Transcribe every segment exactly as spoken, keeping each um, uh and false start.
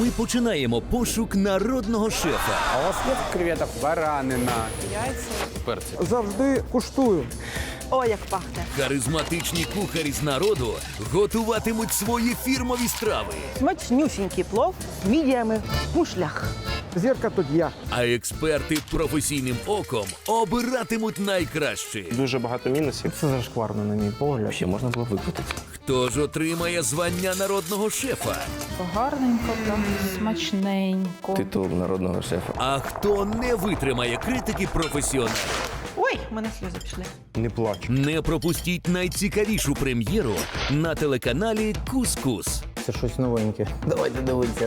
ми починаємо пошук народного шефа. А у вас є креветок? Баранина. Завжди куштую. О, як пахне. Харизматичні кухарі з народу готуватимуть свої фірмові страви. Смачнюсінький плов з мідіями в мушлях. Зірка тут я. А експерти професійним оком обиратимуть найкраще. Дуже багато мінусів. Це зашкварно, на мій погляд. Ще можна було викрутити. Хто ж отримає звання народного шефа? Гарненько, прям смачненько. Титул народного шефа. А хто не витримає критики професіоналів? Ой, в мене сльози пішли. Не плач. Не пропустіть найцікавішу прем'єру на телеканалі Кус-Кус. Це щось новеньке. Давайте дивитися.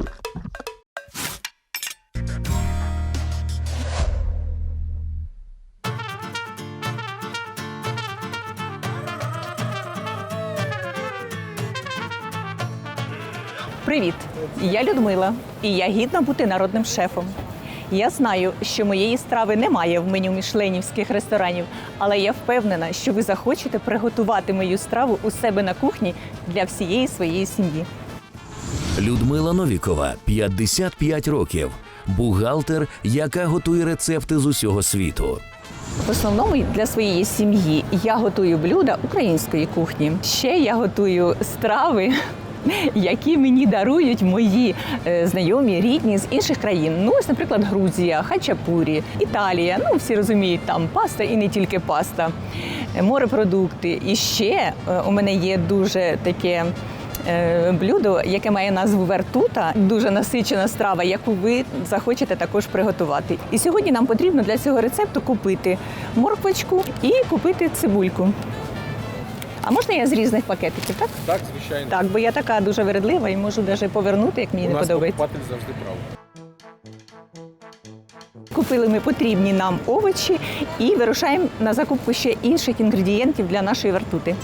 Привіт! Я Людмила, і я гідна бути народним шефом. Я знаю, що моєї страви немає в меню мішленівських ресторанів, але я впевнена, що ви захочете приготувати мою страву у себе на кухні для всієї своєї сім'ї. Людмила Новікова, п'ятдесят п'ять років. Бухгалтер, яка готує рецепти з усього світу. В основному для своєї сім'ї я готую блюда української кухні. Ще я готую страви, які мені дарують мої е, знайомі, рідні з інших країн. Ну, ось, наприклад, Грузія, хачапурі, Італія. Ну, всі розуміють, там паста і не тільки паста, е, морепродукти. І ще е, у мене є дуже таке е, блюдо, яке має назву вертута. Дуже насичена страва, яку ви захочете також приготувати. І сьогодні нам потрібно для цього рецепту купити морквочку і купити цибульку. А можна я з різних пакетиків, так? Так, звичайно. Так, бо я така дуже вередлива і можу навіть повернути, як мені У не нас подобається. покупатель завжди прав. Купили ми потрібні нам овочі і вирушаємо на закупку ще інших інгредієнтів для нашої вертути.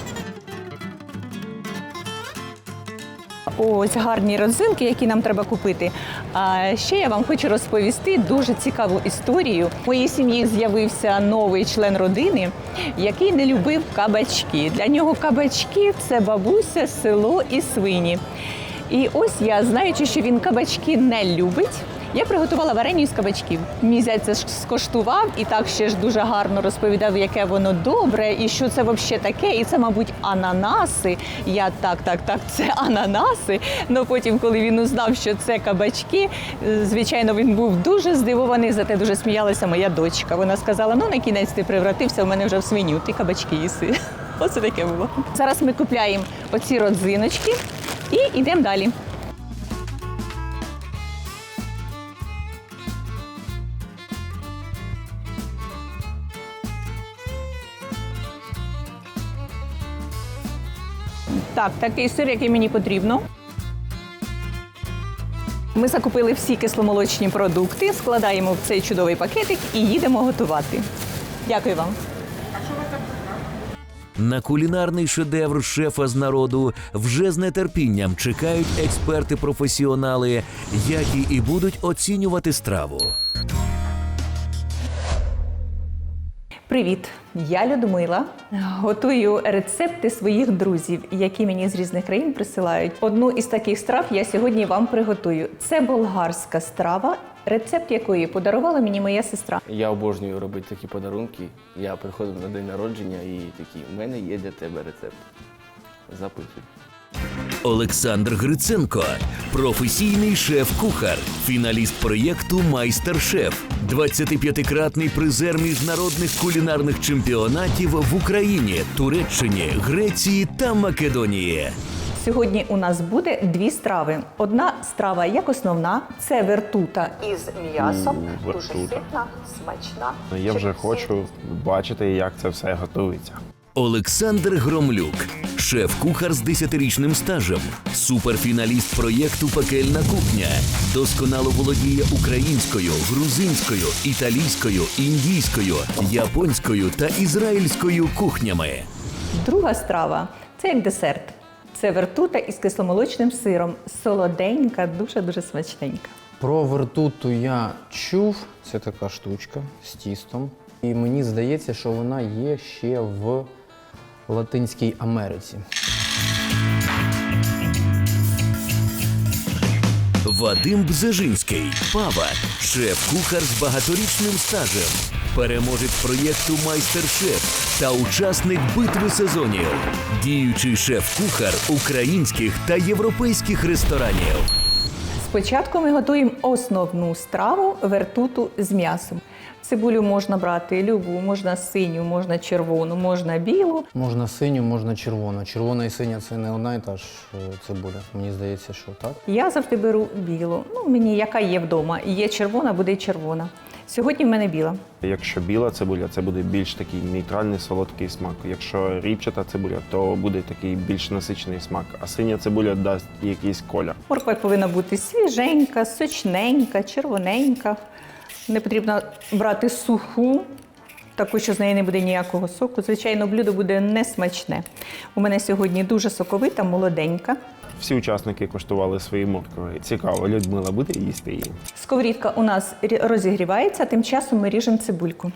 Ось гарні родзинки, які нам треба купити. А ще я вам хочу розповісти дуже цікаву історію. У моїй сім'ї з'явився новий член родини, який не любив кабачки. Для нього кабачки – це бабуся, село і свині. І ось я, знаючи, що він кабачки не любить, я приготувала вареню із кабачків. Мій зять це скоштував і так ще ж дуже гарно розповідав, яке воно добре, і що це взагалі таке, і це, мабуть, ананаси. Я так, так, так, це ананаси. Ну потім, коли він узнав, що це кабачки, звичайно, він був дуже здивований, зате дуже сміялася моя дочка. Вона сказала, ну на кінець ти превратився в мене вже в свиню, ти кабачки їси. Оце таке було. Зараз ми купляємо оці родзиночки і йдемо далі. Так, такий сир, який мені потрібно. Ми закупили всі кисломолочні продукти, складаємо в цей чудовий пакетик і їдемо готувати. Дякую вам. На кулінарний шедевр шефа з народу вже з нетерпінням чекають експерти-професіонали, які і будуть оцінювати страву. Привіт! Я Людмила. Готую рецепти своїх друзів, які мені з різних країн присилають. Одну із таких страв я сьогодні вам приготую. Це болгарська страва, рецепт якої подарувала мені моя сестра. Я обожнюю робити такі подарунки. Я приходив на день народження і такий, у мене є для тебе рецепт. Записуй. Олександр Гриценко – професійний шеф-кухар, фіналіст проєкту «Майстер-шеф», двадцятип'ятикратний призер міжнародних кулінарних чемпіонатів в Україні, Туреччині, Греції та Македонії. Сьогодні у нас буде дві страви. Одна страва як основна – це вертута із м'ясом. У, Дуже вертута. ситна, смачна. Я вже хочу бачити, як це все готується. Олександр Громлюк – шеф-кухар з десятирічним стажем, суперфіналіст проєкту «Пекельна кухня», досконало володіє українською, грузинською, італійською, індійською, японською та ізраїльською кухнями. Друга страва – це як десерт. Це вертута із кисломолочним сиром. Солоденька, дуже-дуже смачненька. Про вертуту я чув. Це така штучка з тістом. І мені здається, що вона є ще в Латинській Америці. Вадим Бзежинський, Пава, шеф-кухар з багаторічним стажем, переможець проєкту «Майстер-шеф» та учасник битви сезонів, діючий шеф-кухар українських та європейських ресторанів. Спочатку ми готуємо основну страву вертуту з м'ясом. Цибулю можна брати любу, можна синю, можна червону, можна білу. Можна синю, можна червону. Червона і синя – це не одна і та ж е, цибуля. Мені здається, що так. Я завжди беру білу. Ну, мені яка є вдома. Є червона, буде й червона. Сьогодні в мене біла. Якщо біла цибуля, це буде більш такий нейтральний солодкий смак. Якщо ріпчата цибуля, то буде такий більш насичений смак. А синя цибуля дасть якийсь колір. Морква повинна бути свіженька, сочненька, червоненька. Не потрібно брати суху, таку, що з неї не буде ніякого соку. Звичайно, блюдо буде несмачне. У мене сьогодні дуже соковита, молоденька. Всі учасники коштували свої моркви. Цікаво, Людмила буде їсти її? Сковорідка у нас розігрівається, тим часом ми ріжемо цибульку.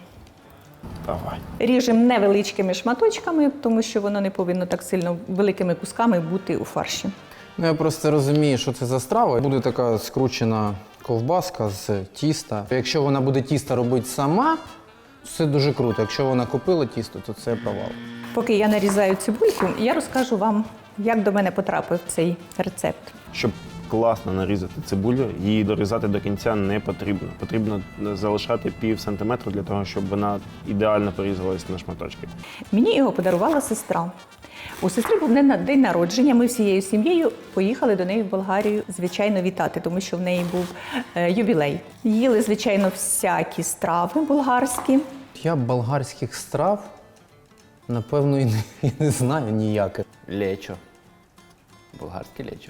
Давай. Ріжемо невеличкими шматочками, тому що воно не повинно так сильно великими кусками бути у фарші. Ну, я просто розумію, що це за страва. Буде така скручена ковбаска з тіста. Якщо вона буде тісто робити сама, це дуже круто. Якщо вона купила тісто, то це провал. Поки я нарізаю цибульку, я розкажу вам, як до мене потрапив цей рецепт. Щоб класно нарізати цибулю, її дорізати до кінця не потрібно. Потрібно залишати пів сантиметра для того, щоб вона ідеально порізалась на шматочки. Мені його подарувала сестра. У сестри був день народження, ми всією сім'єю поїхали до неї в Болгарію, звичайно, вітати, тому що в неї був е, ювілей. Їли, звичайно, всякі страви болгарські. Я болгарських страв, напевно, і не, і не знаю ніяких. Лечо. Болгарське лечо.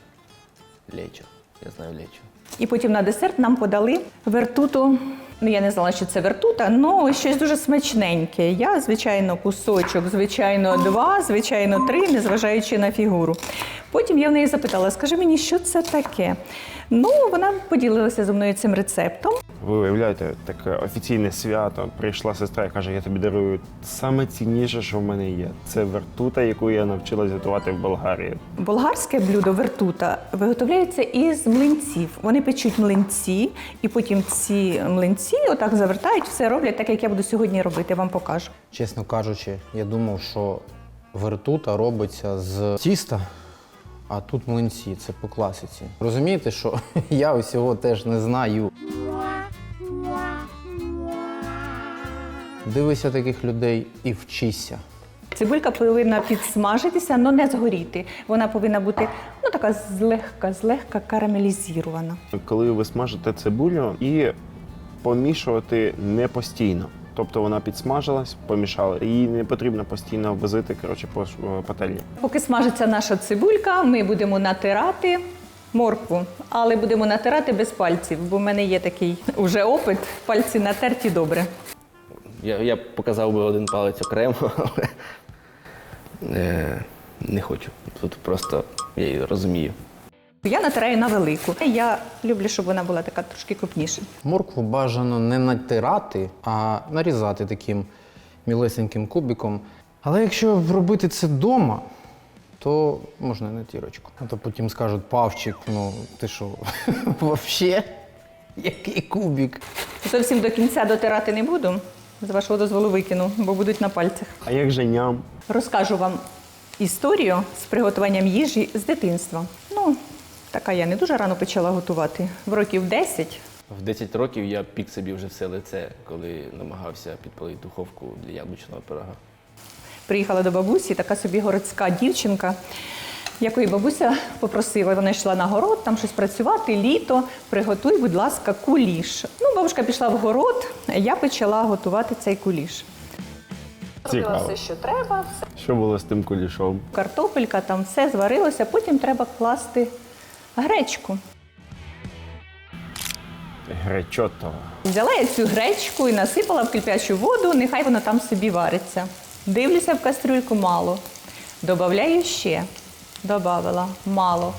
Лечо. Я знаю лечо. І потім на десерт нам подали вертуту. Ну, я не знала, що це вертута, але щось дуже смачненьке. Я, звичайно, кусочок, звичайно, два, звичайно, три, незважаючи на фігуру. Потім я в неї запитала, скажи мені, що це таке? Ну, вона поділилася зі мною цим рецептом. Ви уявляєте, таке офіційне свято. Прийшла сестра і каже, я тобі дарую саме цінніше, що в мене є. Це вертута, яку я навчилась готувати в Болгарії. Болгарське блюдо вертута виготовляється із млинців. Вони печуть млинці, і потім ці млинці отак завертають, все роблять так, як я буду сьогодні робити, вам покажу. Чесно кажучи, я думав, що вертута робиться з тіста, а тут млинці, це по класиці. Розумієте, що я усього теж не знаю. Дивися таких людей і вчися. Цибулька повинна підсмажитися, але не згоріти. Вона повинна бути ну, така злегка, злегка карамелізована. Коли ви смажите цибулю і помішувати не постійно. Тобто вона підсмажилась, помішали. Її не потрібно постійно возити, коротше, по пательні. Поки смажиться наша цибулька, ми будемо натирати моркву, але будемо натирати без пальців, бо в мене є такий уже опит, пальці натерті добре. Я, я показав би один палець окремо, але е, не хочу. Тут просто я її розумію. Я натираю на велику. Я люблю, щоб вона була така трошки крупніша. Моркву бажано не натирати, а нарізати таким мілесеньким кубиком. Але якщо робити це вдома, то можна і на тірочку. А то потім скажуть, Павчик, ну ти що, взагалі? Який кубик? Зовсім до кінця дотирати не буду. З вашого дозволу викину, бо будуть на пальцях. А як же ням? Розкажу вам історію з приготуванням їжі з дитинства. Ну, така я не дуже рано почала готувати. В років десять. В десять років я пік собі вже все лице, коли намагався підпалити духовку для яблучного пирога. Приїхала до бабусі, така собі городська дівчинка, якої бабуся попросила, вона йшла на город, там щось працювати, літо, приготуй, будь ласка, куліш. Ну, бабушка пішла в город, а я почала готувати цей куліш. Робила Цікаво. все, що треба, все. Що було з тим кулішом? Картопелька, там все зварилося, потім треба класти гречку. Гречото. Взяла я цю гречку і насипала в кип'ячу воду, нехай вона там собі вариться. Дивлюся в кастрюльку мало. Добавляю ще. Добавила мало.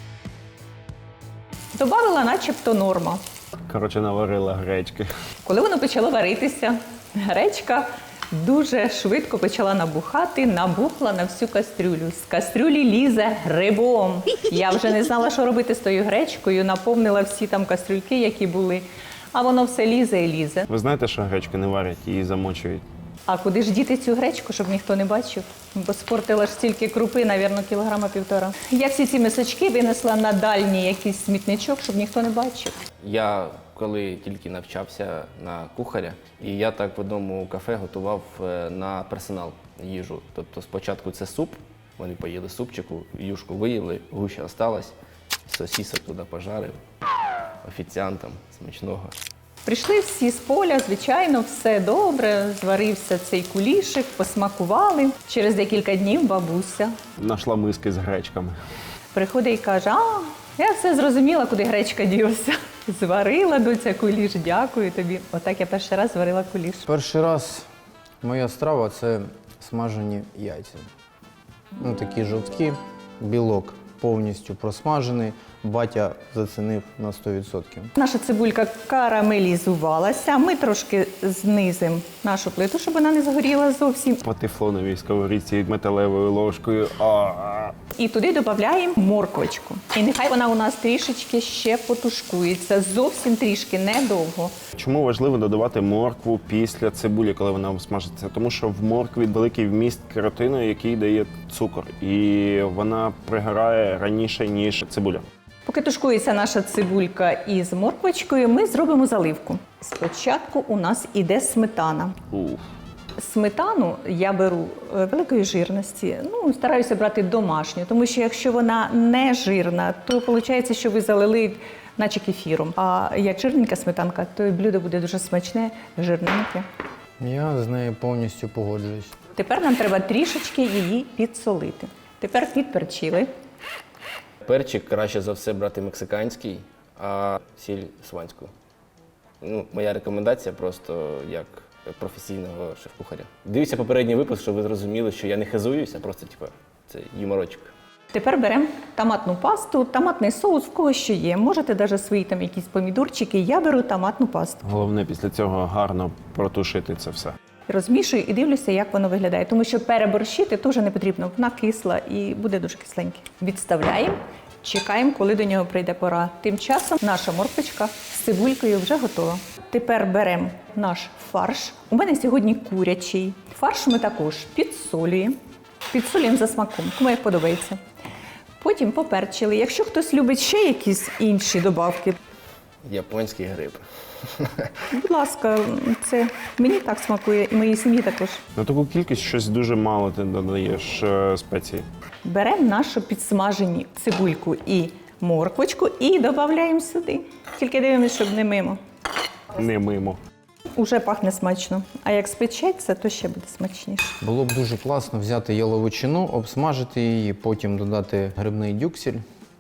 Добавила начебто норма. Коротше, наварила гречки. Коли воно почало варитися, гречка Дуже швидко почала набухати, набухла на всю кастрюлю. З кастрюлі лізе грибом. Я вже не знала, що робити з тою гречкою, наповнила всі там кастрюльки, які були. А воно все лізе і лізе. Ви знаєте, що гречку не варять, її замочують? А куди ж діти цю гречку, щоб ніхто не бачив? Бо спортила ж стільки крупи, навірно, кілограма півтора. Я всі ці мисочки винесла на дальній якийсь смітничок, щоб ніхто не бачив. Я коли тільки навчався на кухаря, і я так в одному кафе готував е, на персонал їжу. Тобто спочатку це суп, вони поїли супчику, юшку виїли, гуща осталась, сосісок туди пожарив, офіціантам смачного. Прийшли всі з поля, звичайно, все добре, зварився цей кулішик, посмакували. Через декілька днів бабуся Нашла миски з гречками. приходить і каже, а, я все зрозуміла, куди гречка ділася. Зварила, доця, куліш, дякую тобі. Отак я перший раз зварила куліш. Перший раз моя страва це смажені яйця. Ну, такі жовткі, білок повністю просмажений. Батя зацінив на сто відсотків. Наша цибулька карамелізувалася. Ми трошки знизимо нашу плиту, щоб вона не згоріла зовсім. По тефлоновій сковорідці металевою ложкою. А-а-а. І туди додаємо морквочку. І нехай вона у нас трішечки ще потушкується. Зовсім трішки, недовго. Чому важливо додавати моркву після цибулі, коли вона смажиться? Тому що в моркві великий вміст керотину, який дає цукор. І вона пригорає раніше, ніж цибуля. Поки тушкується наша цибулька із морквочкою, ми зробимо заливку. Спочатку у нас іде сметана. Уф. Сметану я беру е, великої жирності, ну, стараюся брати домашню, тому що якщо вона не жирна, то виходить, що ви залили наче кефіром. А як жирненька сметанка, то і блюдо буде дуже смачне, жирненьке. Я з нею повністю погоджуюсь. Тепер нам треба трішечки її підсолити. Тепер підперчили. Перчик краще за все брати мексиканський, а сіль сванську. Ну, моя рекомендація просто як професійного шеф-кухаря. Дивіться попередній випуск, щоб ви зрозуміли, що я не хизуюся, просто типу, це юморочок. Тепер беремо томатну пасту, томатний соус, в кого що є. Можете навіть свої там якісь помідорчики, я беру томатну пасту. Головне після цього гарно протушити це все. Розмішую і дивлюся, як воно виглядає. Тому що переборщити теж не потрібно. Вона кисла і буде дуже кисленьке. Відставляємо, чекаємо, коли до нього прийде пора. Тим часом наша морквочка з цибулькою вже готова. Тепер беремо наш фарш. У мене сьогодні курячий. Фарш ми також підсолюємо. Підсолюємо за смаком, кому як подобається. Потім поперчили. Якщо хтось любить ще якісь інші добавки, Японський гриб. будь ласка, це мені так смакує і моїй сім'ї також. На таку кількість щось дуже мало ти додаєш е, спецій. Беремо нашу підсмажені цибульку і морквочку і додаємо сюди. Тільки дивимося, щоб не мимо. Не мимо. Уже пахне смачно. А як спечеться, то ще буде смачніше. Було б дуже класно взяти яловичину, обсмажити її, потім додати грибний дюксель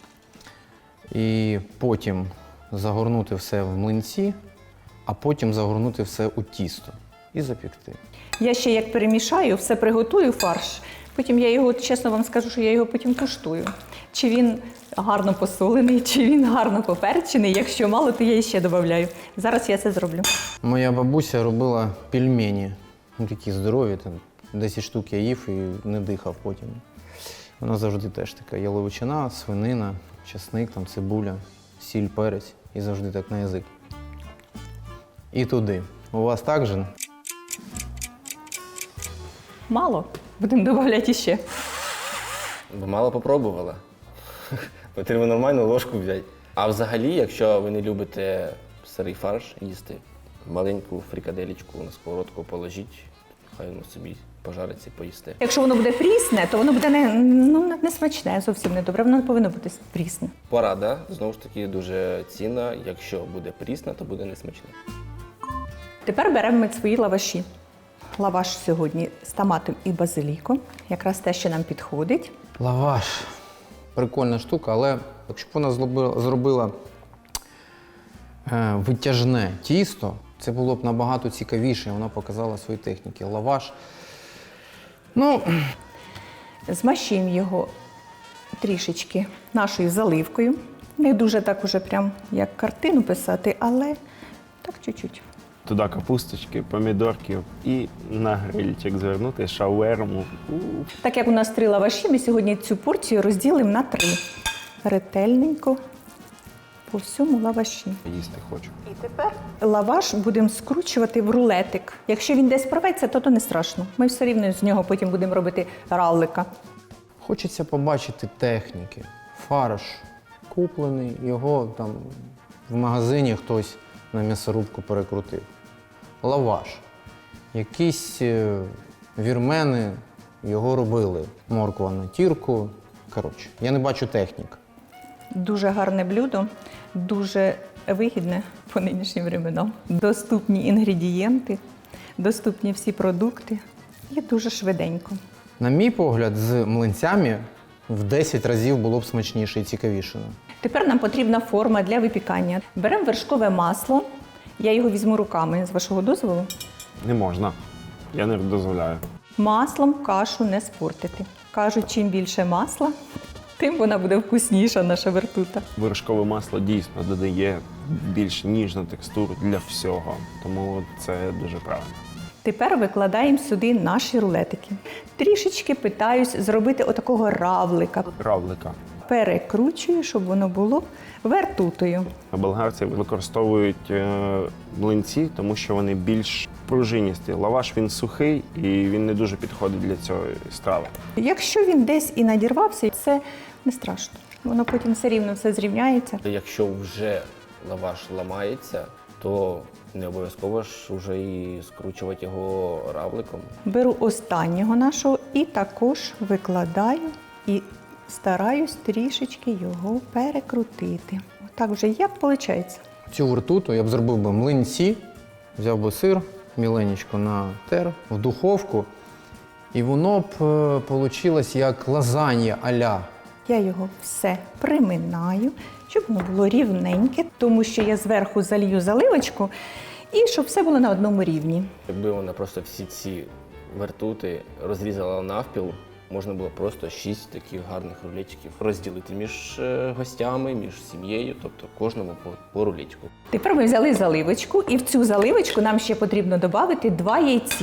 і потім загорнути все в млинці, а потім загорнути все у тісто і запікти. Я ще як перемішаю, все приготую фарш. Потім я його, чесно вам скажу, що я його потім куштую. Чи він гарно посолений, чи він гарно поперчений. Якщо мало, то я ще додаю. Зараз я це зроблю. Моя бабуся робила пельмені, ну, такі здорові, там десять штук я їв і не дихав потім. Вона завжди теж така яловичина, свинина, часник, там, цибуля, сіль, перець і завжди так на язик. І туди. У вас так же? Мало. Будемо додавати ще. Бо мало попробувала. Потрібно нормальну ложку взяти. А взагалі, якщо ви не любите сирий фарш їсти, маленьку фрикаделечку на сковородку положіть, хай воно собі пожариться і поїсте. Якщо воно буде прісне, то воно буде не, ну, не смачне, зовсім не добре. Воно не повинно бути прісне. Порада, знову ж таки, дуже цінна. Якщо буде прісна, то буде несмачне. Тепер беремо ми свої лаваші. Лаваш сьогодні з томатом і базиліком. Якраз те, що нам підходить. Лаваш. Прикольна штука, але якщо б вона зробила, зробила е, витяжне тісто, це було б набагато цікавіше, вона показала свої техніки. Лаваш. Ну, Змащуємо його трішечки нашою заливкою. Не дуже так уже прям як картину писати, але так чуть-чуть. Туди капусточки, помідорки і на грильчик звернути шаверму. У. Так як у нас три лаваші, ми сьогодні цю порцію розділимо на три. Ретельненько по всьому лаваші. Їсти хочу. І тепер лаваш будемо скручувати в рулетик. Якщо він десь порветься, то то не страшно. Ми все рівно з нього потім будемо робити равлика. Хочеться побачити техніки. Фарш куплений, його там в магазині хтось на м'ясорубку перекрутив. Лаваш. Якісь е, вірмени його робили. Морква на тірку. Коротше, я не бачу технік. Дуже гарне блюдо, дуже вигідне по нинішнім временам. Доступні інгредієнти, доступні всі продукти і дуже швиденько. На мій погляд, з млинцями в десять разів було б смачніше і цікавіше. Тепер нам потрібна форма для випікання. Беремо вершкове масло. Я його візьму руками, з вашого дозволу. Не можна. Я не дозволяю. Маслом кашу не спортити. Кажуть, чим більше масла, тим вона буде вкусніша, наша вертута. Вершкове масло дійсно додає більш ніжну текстуру для всього. Тому це дуже правильно. Тепер викладаємо сюди наші рулетики. Трішечки питаюсь зробити отакого равлика. Равлика. Перекручую, щоб воно було вертутою. Болгарці використовують е, млинці, тому що вони більш пружиністі. Лаваш він сухий і він не дуже підходить для цієї страви. Якщо він десь і надірвався, це не страшно. Воно потім все рівно все зрівняється. Якщо вже лаваш ламається, то не обов'язково ж вже і скручувати його равликом. Беру останнього нашого і також викладаю і стараюсь трішечки його перекрутити. Так вже як виходить. Цю вертуту я б зробив би млинці, взяв би сир, міленечко натер в духовку, і воно б вийшло як лазанья а-ля. Я його все приминаю, щоб воно було рівненьке, тому що я зверху залью заливочку і щоб все було на одному рівні. Якби вона просто всі ці вертути розрізала навпіл, можна було просто шість таких гарних рулетиків розділити між е, гостями, між сім'єю, тобто кожному по, по рулетику. Тепер ми взяли заливочку, і в цю заливочку нам ще потрібно додати два яйці.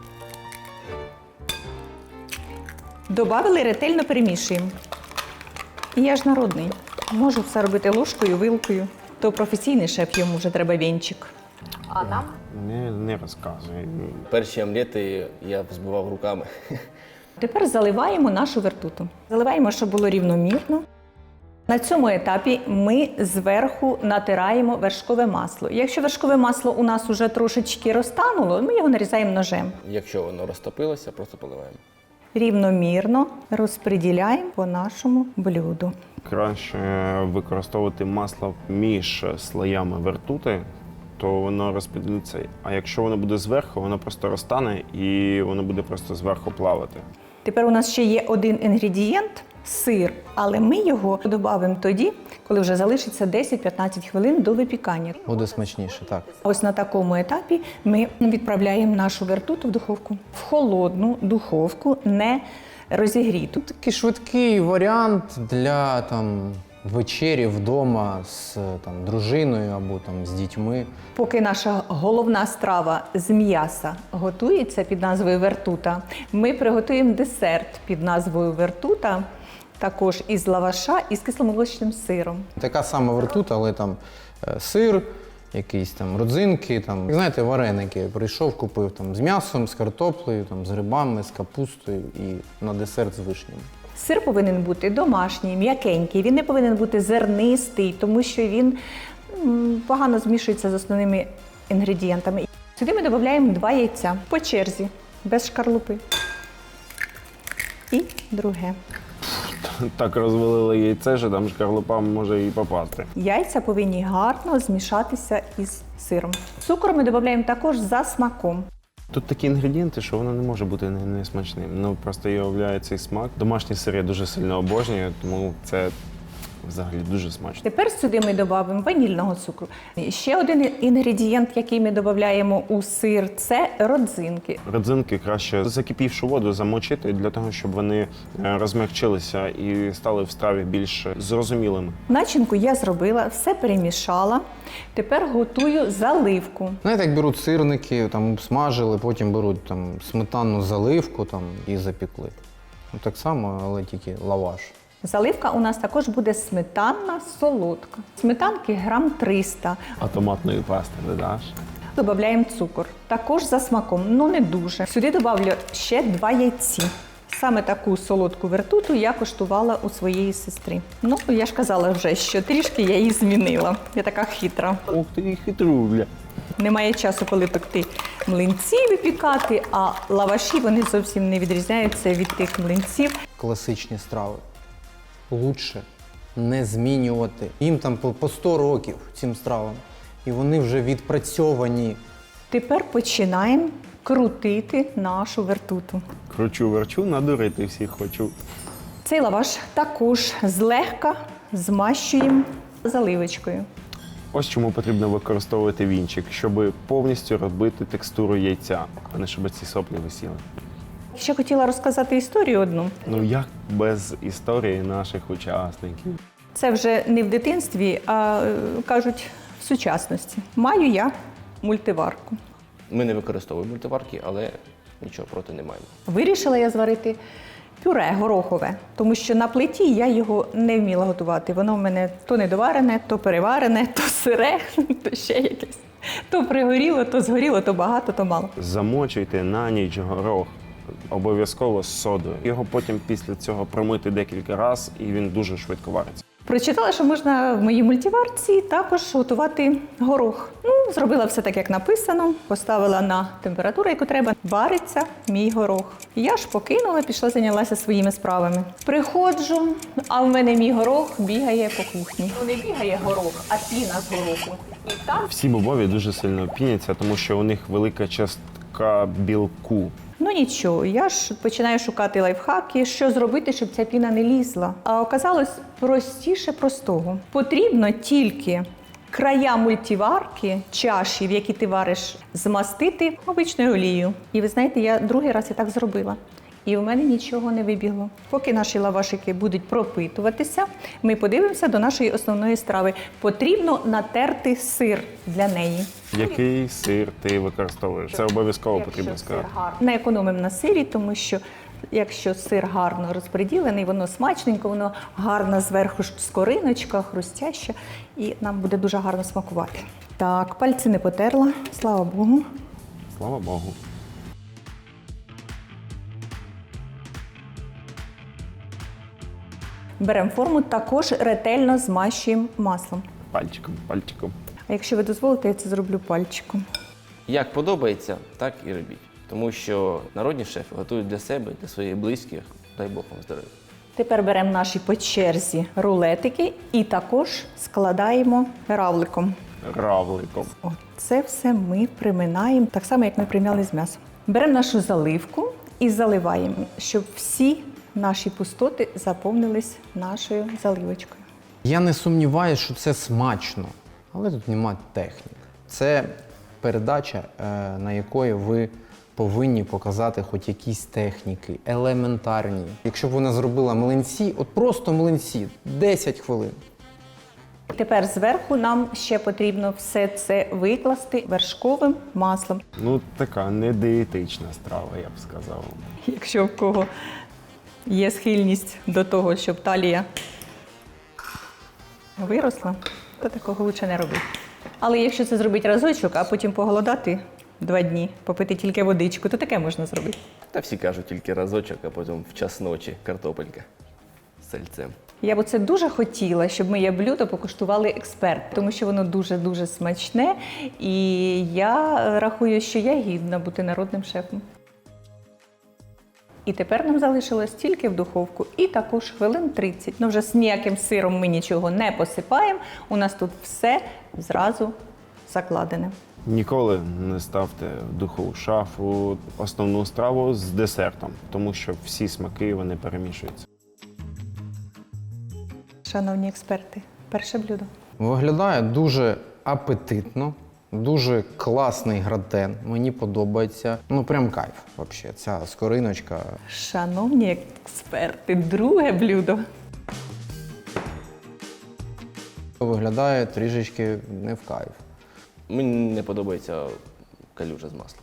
Добавили, ретельно перемішуємо. І я ж народний. Можу все робити ложкою, вилкою. То професійний шеф, йому вже треба вінчик. А нам? Не, не розказуй. Перші омлети я збивав руками. Тепер заливаємо нашу вертуту. Заливаємо, щоб було рівномірно. На цьому етапі ми зверху натираємо вершкове масло. Якщо вершкове масло у нас уже трошечки розтануло, ми його нарізаємо ножем. Якщо воно розтопилося, просто поливаємо. Рівномірно розподіляємо по нашому блюду. Краще використовувати масло між слоями вертути, то воно розподілиться. А якщо воно буде зверху, воно просто розтане і воно буде просто зверху плавати. Тепер у нас ще є один інгредієнт – сир, але ми його додамо тоді, коли вже залишиться десять-п'ятнадцять хвилин до випікання. Буде смачніше, так. Ось на такому етапі ми відправляємо нашу вертуту в духовку. В холодну духовку, не розігріту. Такий швидкий варіант для там, вечері вдома з там, дружиною або там, з дітьми. Поки наша головна страва з м'яса готується під назвою вертута, ми приготуємо десерт під назвою вертута, також із лаваша і з кисломолочним сиром. Така сама вертута, але там е, сир, якісь там родзинки, там, знаєте, вареники. Прийшов, купив там, з м'ясом, з картоплею, там, з грибами, з капустою і на десерт з вишнями. Сир повинен бути домашній, м'якенький, він не повинен бути зернистий, тому що він м, погано змішується з основними інгредієнтами. Сюди ми додаємо два яйця по черзі, без шкарлупи. І друге. Так розвалили яйце, що там шкарлупа може і попасти. Яйця повинні гарно змішатися із сиром. Цукор ми додаємо також за смаком. Тут такі інгредієнти, що воно не може бути не, не смачним. Ну просто являє цей смак. Домашній сир я дуже сильно обожнюю, тому це Взагалі дуже смачно. Тепер сюди ми додамо ванільного цукру. І ще один інгредієнт, який ми додаємо у сир, це родзинки. Родзинки краще закипівшу воду замочити для того, щоб вони е, розмягчилися і стали в страві більш зрозумілими. Начинку я зробила, все перемішала. Тепер готую заливку. Знаєте, як беруть сирники, там смажили, потім беруть там сметанну заливку там, і запікли. Ну, так само, але тільки лаваш. Заливка у нас також буде сметанна солодка. Сметанки грам триста. А томатної пасти додаш? Додаємо цукор. Також за смаком, ну не дуже. Сюди додавлю ще два яйці. Саме таку солодку вертуту я коштувала у своєї сестри. Ну, я ж казала вже, що трішки я її змінила. Я така хитра. Ух ти, хитруля. Немає часу, коли пекти млинці, випікати, а лаваші вони зовсім не відрізняються від тих млинців. Класичні страви. Лучше не змінювати. Їм там по по сто років цим стравам. І вони вже відпрацьовані. Тепер починаємо крутити нашу вертуту. Кручу, верчу, надурити всіх хочу. Цей лаваш також злегка змащуємо заливочкою. Ось чому потрібно використовувати вінчик, щоб повністю робити текстуру яйця, а не щоб ці соплі висіли. Ще хотіла розказати історію одну. Ну як без історії наших учасників? Це вже не в дитинстві, а е, кажуть в сучасності. Маю я мультиварку. Ми не використовуємо мультиварки, але нічого проти не маємо. Вирішила я зварити пюре горохове, тому що на плиті я його не вміла готувати. Воно в мене то недоварене, то переварене, то сире, то ще якесь. То пригоріло, то згоріло, то багато, то мало. Замочуйте на ніч горох. Обов'язково з содою. Його потім після цього промити декілька разів, і він дуже швидко вариться. Прочитала, що можна в моїй мультиварці також готувати горох. Ну, зробила все так, як написано, поставила на температуру, яку треба. Вариться мій горох. Я ж покинула, пішла, зайнялася своїми справами. Приходжу, а в мене мій горох бігає по кухні. Ну, не бігає горох, а піна з гороху. І там Всі бобові дуже сильно піняться, тому що у них велика частка білку. Ну нічого, я ж починаю шукати лайфхаки, що зробити, щоб ця піна не лізла. А оказалось простіше простого. Потрібно тільки края мультиварки, чаші, в якій ти вариш, змастити обичною олією. І ви знаєте, я другий раз і так зробила. І в мене нічого не вибігло. Поки наші лавашики будуть пропитуватися, ми подивимося до нашої основної страви. Потрібно натерти сир для неї. Який сир ти використовуєш? Це обов'язково потрібно сказати. Не економимо на сирі, тому що якщо сир гарно розподілений, воно смачненько, воно гарно зверху скориночка, хрустяща, і нам буде дуже гарно смакувати. Так, пальці не потерла, слава Богу. Слава Богу. Беремо форму, також ретельно змащуємо маслом. Пальчиком, пальчиком. А якщо ви дозволите, я це зроблю пальчиком. Як подобається, так і робіть. Тому що народні шефи готують для себе, для своїх близьких. Дай Бог вам здоров'я. Тепер беремо наші по черзі рулетики і також складаємо равликом. Равликом. От це все ми приминаємо, так само, як ми примяли з м'ясом. Беремо нашу заливку і заливаємо, щоб всі наші пустоти заповнились нашою заливочкою. Я не сумніваюся, що це смачно, але тут нема технік. Це передача, е, на якої ви повинні показати хоч якісь техніки, елементарні. Якщо б вона зробила млинці, от просто млинці, десять хвилин. Тепер зверху нам ще потрібно все це викласти вершковим маслом. Ну, така недієтична страва, я б сказав. Якщо в кого є схильність до того, щоб талія виросла, то такого лучше не робити. Але якщо це зробити разочок, а потім поголодати два дні, попити тільки водичку, то таке можна зробити. Та всі кажуть тільки разочок, а потім в час ночі картопелька з сальцем. Я б оце дуже хотіла, щоб моє блюдо покуштували експерти, тому що воно дуже-дуже смачне, і я рахую, що я гідна бути народним шефом. І тепер нам залишилось тільки в духовку, і також хвилин тридцять. Ну вже з ніяким сиром ми нічого не посипаємо, у нас тут все зразу закладене. Ніколи не ставте в духову шафу основну страву з десертом, тому що всі смаки вони перемішуються. Шановні експерти, перше блюдо. Виглядає дуже апетитно, дуже класний гратен. Мені подобається. Ну, прям кайф, взагалі. Ця скориночка. Шановні експерти, друге блюдо. Виглядає трішечки не в кайф. Мені не подобається калюжа з маслом.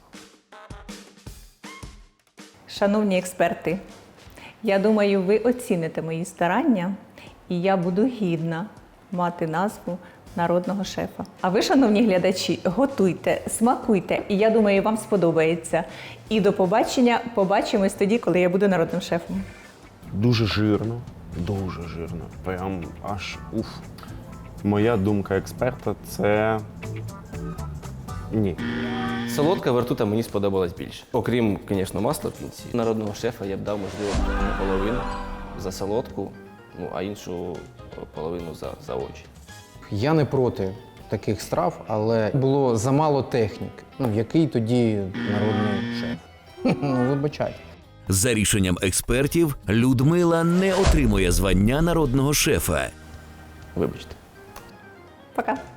Шановні експерти, я думаю, ви оціните мої старання, і я буду гідна мати назву народного шефа. А ви, шановні глядачі, готуйте, смакуйте, і я думаю, вам сподобається. І до побачення, побачимось тоді, коли я буду народним шефом. Дуже жирно, дуже жирно. Прям аж уф. Моя думка експерта це ні. Солодка вертута мені сподобалась більше. Окрім, звісно, масла в кінці. Народного шефа я б дав, можливо, наполовину за солодку, ну, а іншу половину за, за очі. Я не проти таких страв, але було замало технік. Ну, який тоді народний шеф? Ну, вибачайте. За рішенням експертів, Людмила не отримує звання народного шефа. Вибачте. Пока.